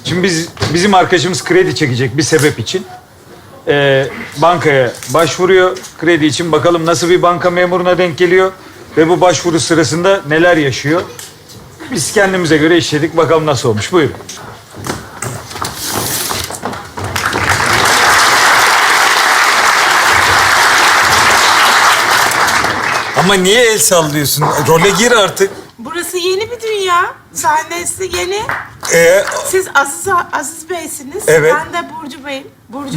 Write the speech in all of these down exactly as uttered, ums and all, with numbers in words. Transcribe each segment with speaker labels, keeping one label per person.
Speaker 1: Şimdi biz bizim arkadaşımız kredi çekecek bir sebep için. Ee, bankaya başvuruyor kredi için. Bakalım nasıl bir banka memuruna denk geliyor ve bu başvuru sırasında neler yaşıyor. Biz kendimize göre işledik. Bakalım nasıl olmuş. Buyurun.
Speaker 2: Ama niye el sallıyorsun? Role gir artık.
Speaker 3: Burası yeni bir dünya. Sahnesi yeni.
Speaker 2: Ee,
Speaker 3: Siz Aziz, Aziz Bey'siniz.
Speaker 2: Evet.
Speaker 3: Ben de Burcu Bey'im. Burcu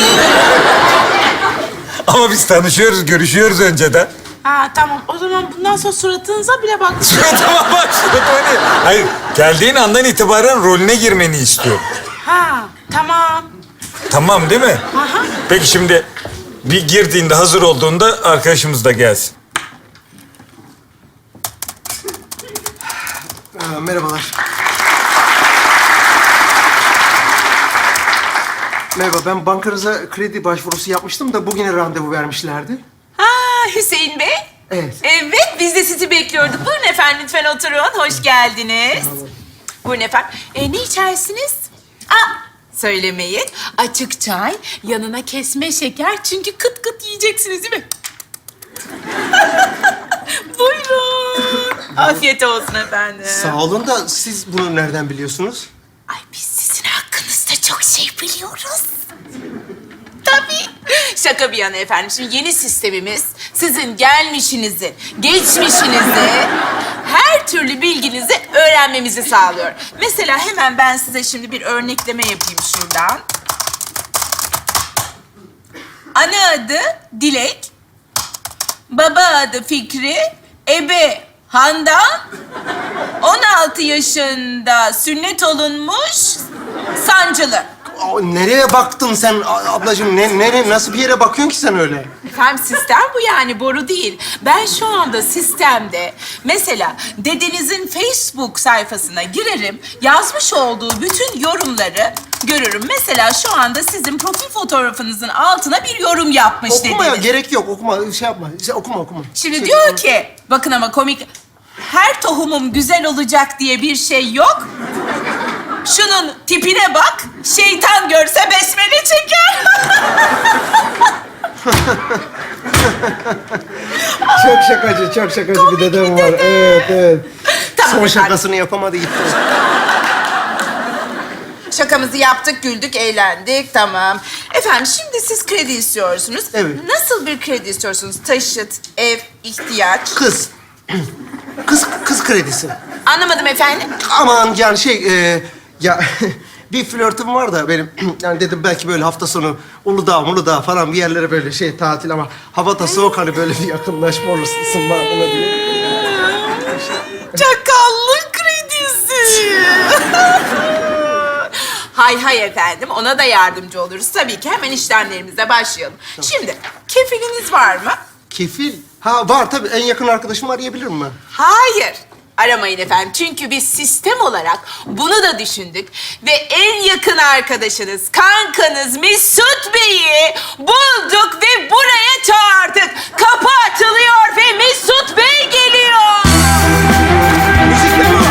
Speaker 2: ama biz tanışıyoruz, görüşüyoruz önceden.
Speaker 3: Ha tamam. O zaman bundan sonra suratınıza bile bak.
Speaker 2: Suratıma bak, suratıma değil. Hayır, geldiğin andan itibaren rolüne girmeni istiyorum.
Speaker 3: Ha tamam.
Speaker 2: Tamam değil mi?
Speaker 3: Aha.
Speaker 2: Peki şimdi bir girdiğinde, hazır olduğunda arkadaşımız da gelsin.
Speaker 4: Aa, merhabalar. Merhaba, ben bankanıza kredi başvurusu yapmıştım da bugüne randevu vermişlerdi.
Speaker 5: Ha Hüseyin Bey.
Speaker 4: Evet.
Speaker 5: Evet, biz de sizi bekliyorduk. Buyurun efendim, lütfen oturun. Hoş geldiniz. Buyurun efendim. E, ne içersiniz? Aa, söylemeyin. Açık çay, yanına kesme şeker. Çünkü kıt kıt yiyeceksiniz değil mi? Buyurun. Afiyet olsun efendim.
Speaker 4: Sağ olun da siz bunu nereden biliyorsunuz?
Speaker 5: Ay biz sizin hakkınızda çok şey biliyoruz. Tabii. Şaka bir yana efendim. Şimdi yeni sistemimiz sizin gelmişinizi, geçmişinizi, her türlü bilginizi öğrenmemizi sağlıyor. Mesela hemen ben size şimdi bir örnekleme yapayım şuradan. Ana adı Dilek, baba adı Fikri, ebe Handan, on altı yaşında sünnet olunmuş, sancılı.
Speaker 4: Aa, nereye baktın sen a- ablacığım? Ne, nere, nasıl bir yere bakıyorsun ki sen öyle?
Speaker 5: Efendim sistem bu yani, boru değil. Ben şu anda sistemde mesela dedenizin Facebook sayfasına girerim, yazmış olduğu bütün yorumları görürüm. Mesela şu anda sizin profil fotoğrafınızın altına bir yorum yapmış
Speaker 4: Okuma ya,
Speaker 5: dedeniz.
Speaker 4: gerek yok. Okuma, şey yapma. Şey, okuma, okuma.
Speaker 5: Şimdi
Speaker 4: Şey,
Speaker 5: diyor ki, bakın ama komik, her tohumum güzel olacak diye bir şey yok. Şunun tipine bak, şeytan görse besmele çeker.
Speaker 4: Çok şakacı, çok şakacı bir dedem var. Evet, evet.
Speaker 5: Tamam
Speaker 4: Son
Speaker 5: efendim.
Speaker 4: şakasını yapamadı gitti.
Speaker 5: Şakamızı yaptık, güldük, eğlendik, tamam. Efendim şimdi siz kredi istiyorsunuz.
Speaker 4: Evet.
Speaker 5: Nasıl bir kredi istiyorsunuz? Taşıt, ev, ihtiyaç.
Speaker 4: Kız. Kız, kız kredisi.
Speaker 5: Anlamadım efendim.
Speaker 4: Aman yani şey, e, ya bir flörtüm var da benim. Yani dedim belki böyle hafta sonu Uludağ, Uludağ falan bir yerlere böyle şey tatil ama hava da soğuk hani böyle bir yakınlaşma olur, ısınma olabilir.
Speaker 5: Çakallık kredisi. Hay hay efendim, ona da yardımcı oluruz. Tabii ki hemen işlemlerimize başlayalım. Şimdi, kefiliniz var mı?
Speaker 4: Kefil? Ha var tabii. En yakın arkadaşımı arayabilir mi?
Speaker 5: Hayır. Aramayın efendim. Çünkü biz sistem olarak bunu da düşündük. Ve en yakın arkadaşınız, kankanız Mesut Bey'i bulduk ve buraya çağırdık. Kapı açılıyor ve Mesut Bey geliyor.
Speaker 4: Müzikle mi?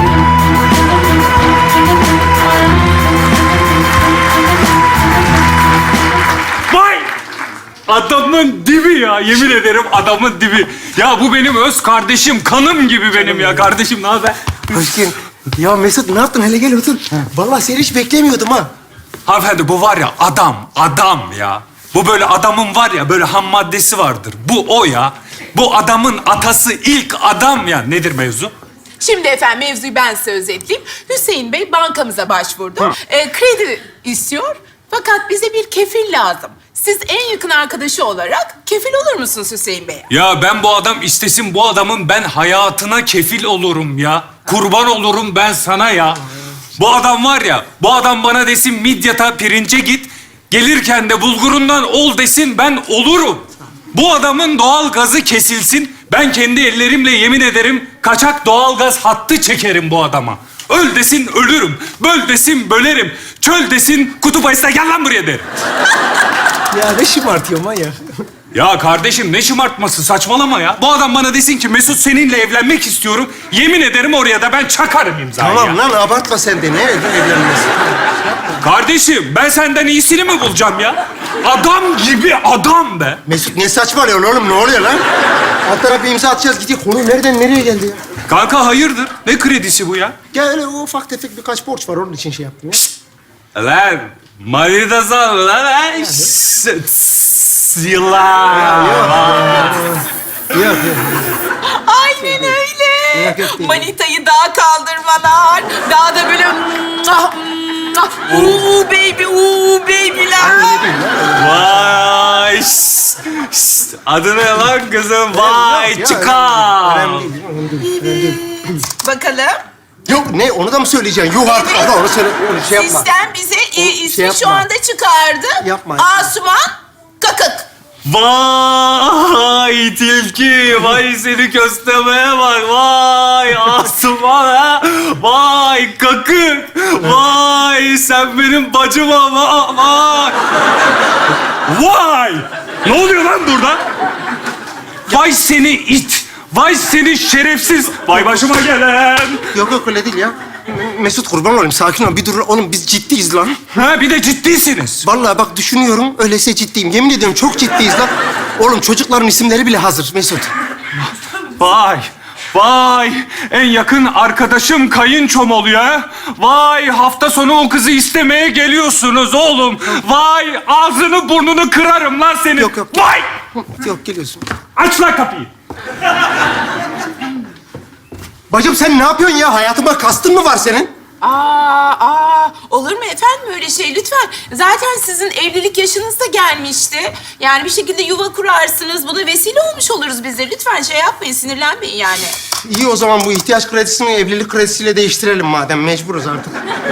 Speaker 6: Vay! Adamın dibi ya, yemin ederim adamın dibi. Ya bu benim öz kardeşim, kanım gibi benim ya. Kardeşim ne haber?
Speaker 4: Hoş geldin. Ya Mesut ne yaptın? Hele gel otur. Vallahi seni hiç beklemiyordum ha.
Speaker 6: Hanımefendi bu var ya adam, adam ya. Bu böyle adamın var ya böyle ham maddesi vardır. Bu o ya. Bu adamın atası ilk adam ya. Nedir mevzu?
Speaker 5: Şimdi efendim mevzuyu ben size özetleyeyim. Hüseyin Bey bankamıza başvurdu. Ee, kredi istiyor fakat bize bir kefil lazım. Siz en yakın arkadaşı olarak kefil olur musunuz Hüseyin Bey'e?
Speaker 6: Ya ben bu adam istesin bu adamın ben hayatına kefil olurum ya. Kurban olurum ben sana ya. Bu adam var ya, bu adam bana desin Midyat'a pirince git. Gelirken de bulgurundan ol desin ben olurum. Bu adamın doğal gazı kesilsin. Ben kendi ellerimle yemin ederim kaçak doğal gaz hattı çekerim bu adama. Öl desin ölürüm, böl desin bölerim, çöl desin kutup ayısına gel lan buraya derim.
Speaker 4: Ya ne şımartıyor manyak.
Speaker 6: Ya kardeşim ne şımartması saçmalama ya. Bu adam bana desin ki Mesut seninle evlenmek istiyorum. Yemin ederim oraya da ben çakarım imzayı
Speaker 4: Tamam
Speaker 6: ya.
Speaker 4: lan abartma sen de. Ne evlenmesi?
Speaker 6: Kardeşim ben senden iyisini mi bulacağım ya? Adam gibi adam be.
Speaker 4: Mesut ne saçmalıyorsun oğlum? Ne oluyor lan? Alt tarafı bir imza atacağız gidiyor. Konu nereden nereye geldi ya?
Speaker 6: Kanka hayırdır? Ne kredisi bu ya?
Speaker 4: Ya öyle ufak tefek birkaç borç var. Onun için şey yaptım ya.
Speaker 6: Lan manita sal lan ha? Yıllar.
Speaker 4: Yok yok.
Speaker 5: Aynen öyle.
Speaker 4: Yok, yok değil.
Speaker 5: Manitayı dağa kaldırmalar. Daha da böyle... mwah, mwah, Uuu baby, uuu baby'ler.
Speaker 6: Vay. şşt, şşt. Adı ne lan kızım? Vay
Speaker 4: Ya,
Speaker 6: çıkar.
Speaker 4: Önemli değil, önemli değil, önemli değil.
Speaker 5: Bakalım.
Speaker 4: Yok ne onu da mı söyleyeceksin? Yok artık abla onu söyle. Onu şey yapma.
Speaker 5: Sistem bize e,
Speaker 4: O-
Speaker 5: ismi
Speaker 4: şey
Speaker 5: şu
Speaker 4: yapma.
Speaker 5: anda çıkardı.
Speaker 4: Yapma, yapma.
Speaker 5: Asuman Kakık.
Speaker 6: Vay tilki, vay seni köstemeye bak, vay Asuman ha, vay kakık, vay sen benim bacım ama, vay. Vay! Ne oluyor lan burada? Vay seni it, vay seni şerefsiz, vay başıma gelen.
Speaker 4: Yok yok öyle değil ya. Mesut kurban olayım sakin ol. Bir dur oğlum biz ciddiyiz lan.
Speaker 6: Ha bir de ciddisiniz.
Speaker 4: Vallahi bak düşünüyorum öyleyse ciddiyim. Yemin ediyorum çok ciddiyiz lan. Oğlum çocukların isimleri bile hazır Mesut.
Speaker 6: Vay, vay en yakın arkadaşım kayınçom oluyor ha. Vay hafta sonu o kızı istemeye geliyorsunuz oğlum. Vay ağzını burnunu kırarım lan senin.
Speaker 4: Yok, yok.
Speaker 6: Vay!
Speaker 4: Yok geliyorsun.
Speaker 6: Aç lan kapıyı.
Speaker 4: Bacım sen ne yapıyorsun ya? Hayatıma kastın mı var senin?
Speaker 5: Aa, aa, olur mu efendim öyle şey lütfen. Zaten sizin evlilik yaşınız da gelmişti. Yani bir şekilde yuva kurarsınız. Buna vesile olmuş oluruz biz de. Lütfen şey yapmayın, sinirlenmeyin yani.
Speaker 4: İyi o zaman bu ihtiyaç kredisini evlilik kredisiyle değiştirelim madem. Mecburuz artık.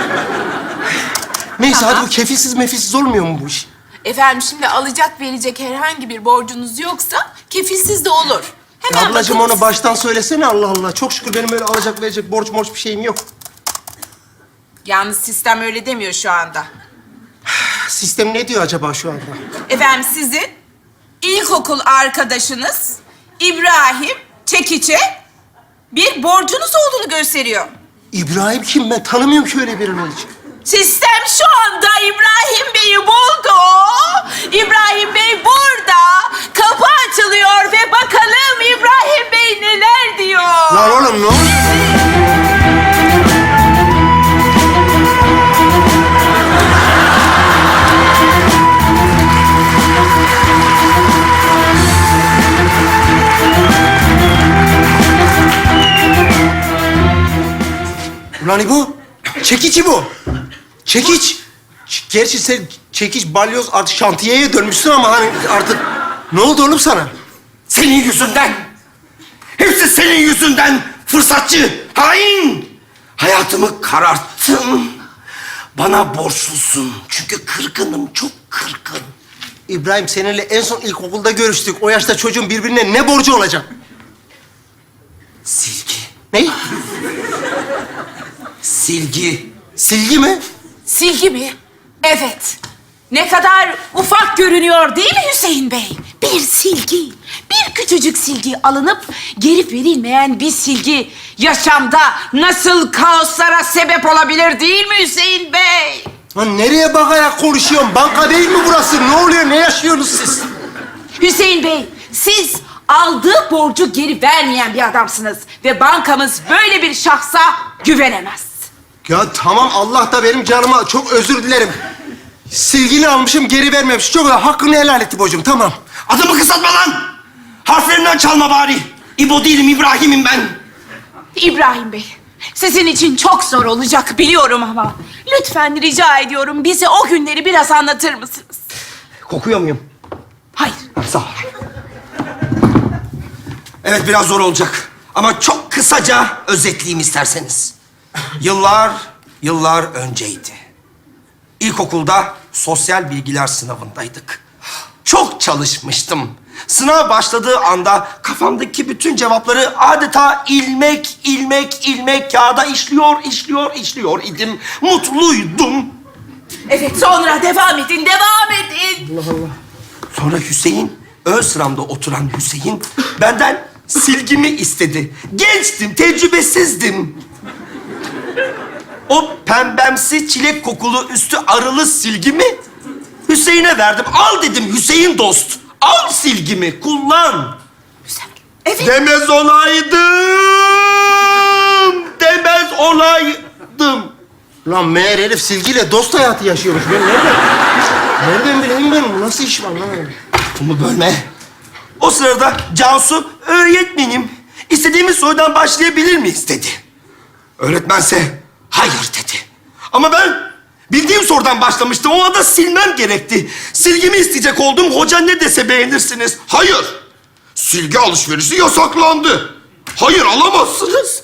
Speaker 4: Neyse
Speaker 5: Tamam.
Speaker 4: hadi bu kefilsiz mefilsiz olmuyor mu bu iş?
Speaker 5: Efendim şimdi alacak verecek herhangi bir borcunuz yoksa kefilsiz de olur. Hemen
Speaker 4: Ablacığım
Speaker 5: bakın.
Speaker 4: onu baştan söylesene Allah Allah. Çok şükür benim öyle alacak verecek borç morç bir şeyim yok.
Speaker 5: Yalnız sistem öyle demiyor şu anda.
Speaker 4: Sistem ne diyor acaba şu anda?
Speaker 5: Efendim sizin ilkokul arkadaşınız İbrahim Çekiç'e bir borcunuz olduğunu gösteriyor.
Speaker 4: İbrahim kim? Ben tanımıyorum ki öyle birini hiç.
Speaker 5: Sistem şu anda İbrahim Bey'i buldu. İbrahim Bey burada. Kapı açılıyor ve bakalım İbrahim Bey neler diyor.
Speaker 4: Lan oğlum ne oluyor? Ulan bu çekici bu. Çekiç. Ç- Gerçi sen çekiç, balyoz artık şantiyeye dönmüşsün ama hani artık... Ne oldu oğlum sana?
Speaker 7: Senin yüzünden. Hepsi senin yüzünden. Fırsatçı, hain. Hayatımı kararttın. Bana borçlusun. Çünkü kırgınım, çok kırgın.
Speaker 4: İbrahim seninle en son ilkokulda görüştük. O yaşta çocuğun birbirine ne borcu olacak?
Speaker 7: Silgi,
Speaker 4: Ne?
Speaker 7: silgi.
Speaker 4: Silgi mi?
Speaker 5: Silgi mi? Evet. Ne kadar ufak görünüyor değil mi Hüseyin Bey? Bir silgi, bir küçücük silgi alınıp geri verilmeyen bir silgi yaşamda nasıl kaoslara sebep olabilir değil mi Hüseyin Bey?
Speaker 4: Lan nereye bakarak konuşuyorsun? Banka değil mi burası? Ne oluyor? Ne yaşıyorsunuz siz?
Speaker 5: Hüseyin Bey, siz aldığı borcu geri vermeyen bir adamsınız ve bankamız böyle bir şahsa güvenemez.
Speaker 4: Ya tamam Allah da benim canıma çok özür dilerim. Silgini almışım geri vermemiş. Çok hakkını helal etti bocum tamam.
Speaker 7: Adımı kısaltma lan. Harflerinden çalma bari. İbo değilim, İbrahim'im ben.
Speaker 5: İbrahim Bey, sizin için çok zor olacak biliyorum ama lütfen rica ediyorum bize o günleri biraz anlatır mısınız?
Speaker 7: Kokuyor muyum?
Speaker 5: Hayır.
Speaker 7: Sağ ol. Evet, biraz zor olacak. Ama çok kısaca özetleyeyim isterseniz. Yıllar, yıllar önceydi. İlkokulda sosyal bilgiler sınavındaydık. Çok çalışmıştım. Sınav başladığı anda kafamdaki bütün cevapları adeta ilmek, ilmek, ilmek kağıda işliyor, işliyor, işliyor idim. Mutluydum.
Speaker 5: Evet, sonra devam edin, devam edin.
Speaker 7: Sonra Hüseyin, ön sıramda oturan Hüseyin benden silgimi istedi. Gençtim, tecrübesizdim. o pembemsi çilek kokulu üstü arılı silgimi Hüseyin'e verdim. Al dedim Hüseyin dost. Al silgimi, kullan.
Speaker 5: Evet.
Speaker 7: Demez olaydım. Demez olaydım.
Speaker 4: Lan meğer herif silgiyle dost hayatı yaşıyormuş. Ben nereden? Nereden bileyim ben? Bu nasıl iş var lan?
Speaker 7: Bunu bölme. O sırada Cansu, öğretmenim, istediğimiz sorudan başlayabilir miyiz dedi. Öğretmense hayır dedi. Ama ben bildiğim sorudan başlamıştım. O anda silmem gerekti. Silgimi isteyecek oldum. Hoca ne dese beğenirsiniz. Hayır. Silgi alışverişi yasaklandı. Hayır, alamazsınız.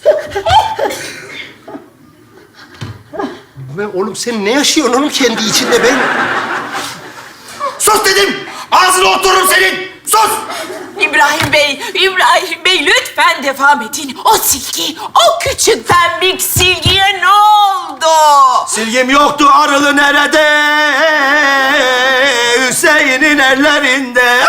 Speaker 4: Ben, oğlum sen ne yaşıyorsun oğlum kendi içinde ben?
Speaker 7: Sus dedim. Ağzına otururum senin. Sus.
Speaker 5: İbrahim Bey, İbrahim Bey lütfen devam edin. O silgi, o küçük pembik silgiye ne oldu?
Speaker 7: Silgim yoktu, arılı nerede? Hüseyin'in ellerinde.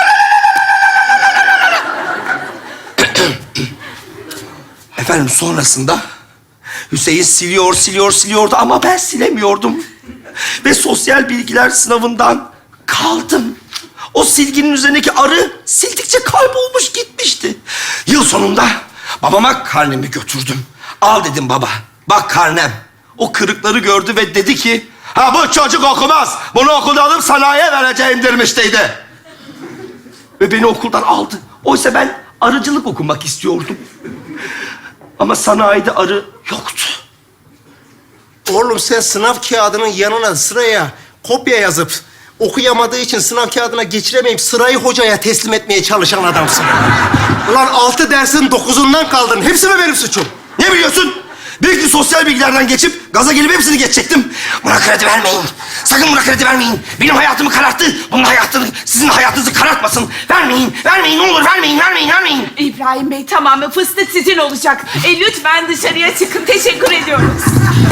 Speaker 7: Efendim sonrasında Hüseyin siliyor, siliyor, siliyordu ama ben silemiyordum. Ve sosyal bilgiler sınavından kaldım. O silginin üzerindeki arı sildikçe kaybolmuş gitmişti. Yıl sonunda babama karnemi götürdüm. Al dedim baba, bak karnem. O kırıkları gördü ve dedi ki... Ha bu çocuk okumaz. Bunu okulda alıp sanayiye vereceğim demiştiydi. Ve beni okuldan aldı. Oysa ben arıcılık okumak istiyordum. Ama sanayide arı yoktu.
Speaker 4: Oğlum sen sınav kağıdının yanına sıraya kopya yazıp okuyamadığı için sınav kağıdına geçiremeyip sırayı hocaya teslim etmeye çalışan adamsın. Ulan altı dersin dokuzundan kaldın. Hepsi mi benim suçum?
Speaker 7: Ne biliyorsun? Büyük bir sosyal bilgilerden geçip gaza gelip hepsini geçecektim. Buna kredi vermeyin. Sakın buna kredi vermeyin. Benim hayatımı kararttı. Bunun hayatını, sizin hayatınızı karartmasın. Vermeyin, vermeyin. Ne olur vermeyin, vermeyin, vermeyin.
Speaker 5: İbrahim Bey tamam fıstık sizin olacak. E, lütfen dışarıya çıkın. Teşekkür ediyoruz.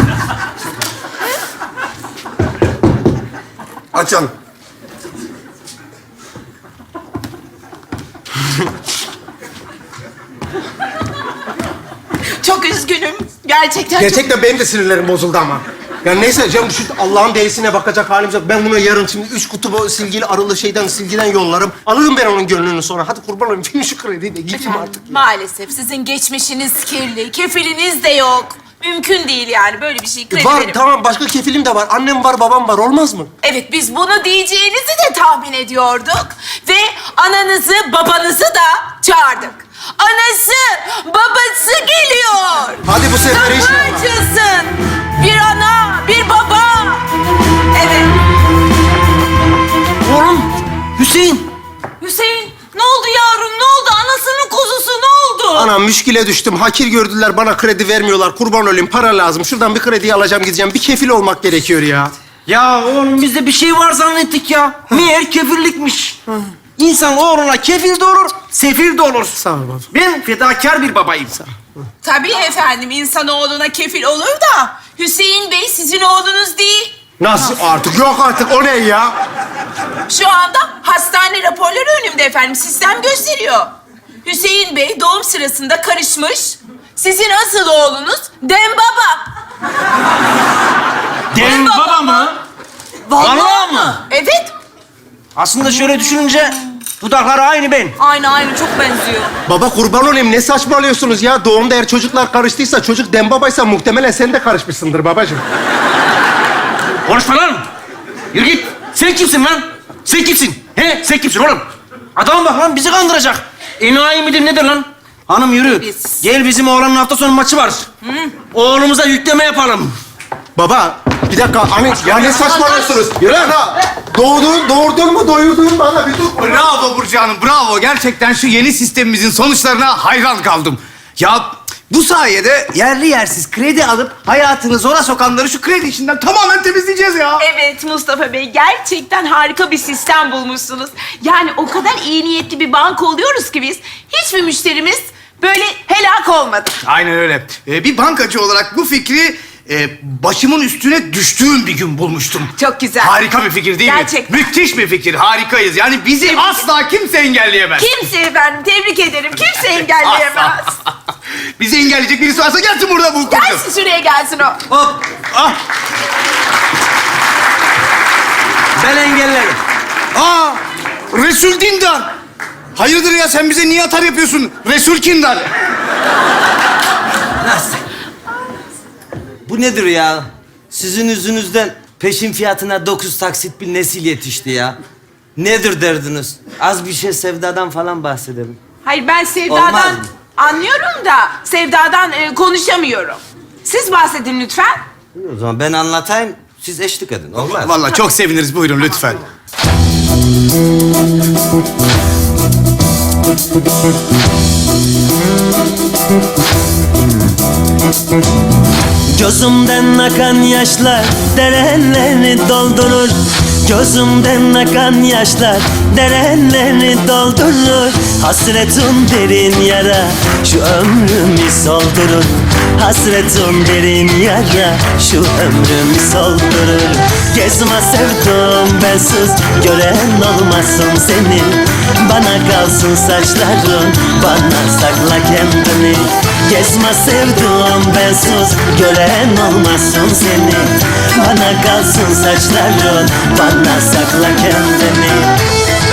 Speaker 7: Açın.
Speaker 5: Çok üzgünüm. Gerçekten
Speaker 4: Gerçekten benim de sinirlerim bozuldu ama. Ya neyse canım şu Allah'ın delisine bakacak halimiz yok. Ben bunu yarın şimdi üç kutu bu silgili arılı şeyden silgiden yollarım. Alırım ben onun gönlünü sonra. Hadi kurban olayım. Film şu krediyi de gideyim artık.
Speaker 5: çok... Maalesef sizin geçmişiniz kirli. Kefiliniz de yok. Mümkün değil yani böyle bir şey kredi
Speaker 4: Var
Speaker 5: verim.
Speaker 4: tamam başka kefilim de var. Annem var babam var olmaz mı?
Speaker 5: Evet biz bunu diyeceğinizi de tahmin ediyorduk. Ve ananızı babanızı da çağırdık. Anası, babası geliyor.
Speaker 4: Hadi bu sefer
Speaker 5: Kapı
Speaker 4: inşallah.
Speaker 5: açılsın. Bir ana, bir baba. Evet.
Speaker 4: Oğlum Hüseyin.
Speaker 5: Hüseyin, ne oldu yavrum? Ne oldu? Anasının kuzusu ne oldu?
Speaker 4: Anam müşkile düştüm. Hakir gördüler bana kredi vermiyorlar. Kurban olayım para lazım. Şuradan bir kredi alacağım gideceğim. Bir kefil olmak gerekiyor ya.
Speaker 8: Ya oğlum biz de bir şey var zannettik ya. Meğer kefillikmiş. İnsan oğluna kefil de olur, sefil de olur.
Speaker 4: Sağ ol baba.
Speaker 8: Ben fedakar bir babayım.
Speaker 5: Tabii efendim, insanoğluna kefil olur da Hüseyin Bey sizin oğlunuz değil.
Speaker 4: Nasıl artık? Yok artık o ne ya?
Speaker 5: Şu anda hastane raporları önümde efendim. Sistem gösteriyor. Hüseyin Bey doğum sırasında karışmış. Sizin asıl oğlunuz Dembaba.
Speaker 8: Dembaba mı? Vallahi mı?
Speaker 5: Evet.
Speaker 8: Aslında şöyle düşününce dudakları aynı ben.
Speaker 5: Aynı aynı çok benziyor.
Speaker 4: Baba kurban olayım ne saçmalıyorsunuz ya? Doğumda eğer çocuklar karıştıysa çocuk dembabaysa muhtemelen sen de karışmışsındır babacığım.
Speaker 8: Konuşma lan. Yürü git. Sen kimsin lan? Sen kimsin? He? Sen kimsin oğlum? Adama bak lan bizi kandıracak. Enayi midir nedir lan? Hanım yürü.
Speaker 5: Biz.
Speaker 8: Gel bizim oğlanın hafta sonu maçı var. Oğlumuza yükleme yapalım.
Speaker 4: Baba bir dakika anne ya ne saçmalıyorsunuz? Yürü lan. Doğdun, doğurdun mu doyurdun bana bir dur.
Speaker 9: Bravo Burcu Hanım, bravo. Gerçekten şu yeni sistemimizin sonuçlarına hayran kaldım. Ya bu sayede yerli yersiz kredi alıp hayatını zora sokanları şu kredi işinden tamamen temizleyeceğiz ya.
Speaker 10: Evet Mustafa Bey, gerçekten harika bir sistem bulmuşsunuz. Yani o kadar iyi niyetli bir banka oluyoruz ki biz, hiçbir müşterimiz böyle helak olmadı.
Speaker 9: Aynen öyle. Ee, bir bankacı olarak bu fikri e, başımın üstüne düştüğüm bir gün bulmuştum.
Speaker 10: Çok güzel.
Speaker 9: Harika bir fikir değil
Speaker 10: Gerçekten.
Speaker 9: mi? Müthiş bir fikir, harikayız. Yani bizi asla kimse engelleyemez.
Speaker 10: Kimse efendim, tebrik ederim. Kimse engelleyemez.
Speaker 9: Bizi engelleyecek birisi varsa gelsin burada bu kuracağız.
Speaker 5: Gelsin şuraya gelsin o.
Speaker 8: Hop. Ah. Ben engellerim.
Speaker 9: Aa, Resul Dindar. Hayırdır ya, sen bize niye atar yapıyorsun? Resul Kindar.
Speaker 8: Nasıl? Bu nedir ya? Sizin yüzünüzden peşin fiyatına dokuz taksit bir nesil yetişti ya. Nedir derdiniz? Az bir şey sevdadan falan bahsedelim.
Speaker 10: Hayır ben
Speaker 8: Olmaz
Speaker 10: Sevda'dan
Speaker 8: mı?
Speaker 10: anlıyorum da Sevda'dan e, konuşamıyorum. Siz bahsedin lütfen.
Speaker 8: O zaman ben anlatayım, siz eşlik edin. Olmaz.
Speaker 9: Vallahi çok seviniriz. Buyurun lütfen.
Speaker 11: Gözümden akan yaşlar dereleri doldurur. Gözümden akan yaşlar dereleri doldurur. Hasretin derin yara şu ömrümü soldurur. Hasretin derin yara şu ömrümü soldurur. Gezme sevdim bensiz gören olmasın seni. Bana kalsın saçların, bana sakla kendini. Gezme sevdim bensiz gören olmasın seni. Bana kalsın saçların, bana sakla kendini.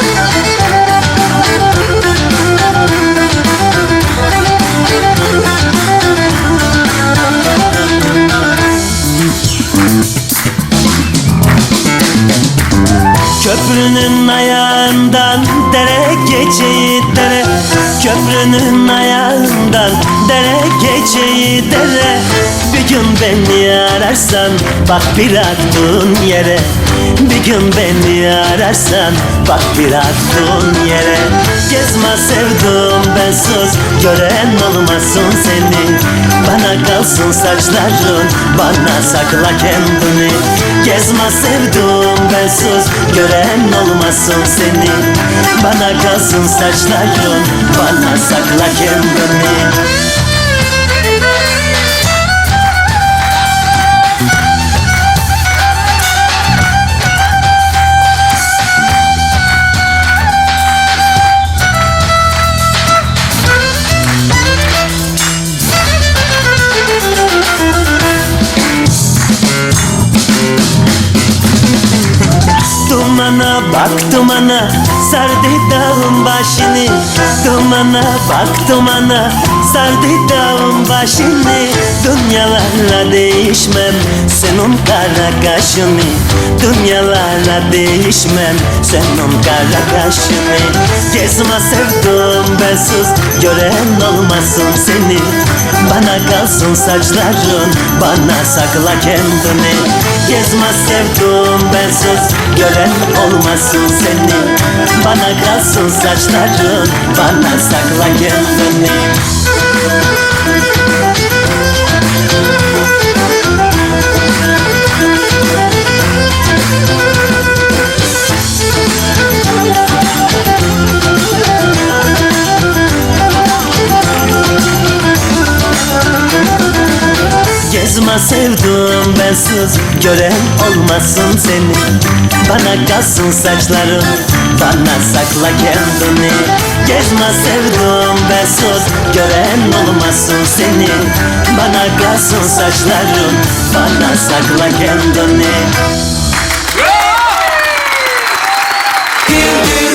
Speaker 11: Köprünün ayağından dere geçeyi dere. Köprünün ayağından dere geçeyi dere. Bir gün beni ararsan bak bir attığın yere. Bir gün beni ararsan bak bir attığın yere. Gezme sevdim bensiz gören olmasın seni. Bana kalsın saçların, bana sakla kendini. Gezme sevdim bensiz gören olmasın seni. Bana kalsın saçların, bana sakla kendini. Dumana bak dumana, sardı dağın başını. Dumana bak dumana, sardı dağın başını. Dünyalarla değişmem senin kara kaşını. Dünyalarla değişmem senin kara kaşını. Gezme sevdim bensiz gören olmasın seni. Bana kalsın saçların, bana sakla kendini. Gezme sevdim bensiz gören olmasın seni. Bana kalsın saçların, bana sakla kendini. Gezme sevdim bensiz gören olmasın seni. Bana kalsın saçların, bana sakla kendini. Gezme sevdim bensiz gören olmasın seni. Bana kalsın saçların, bana sakla kendini.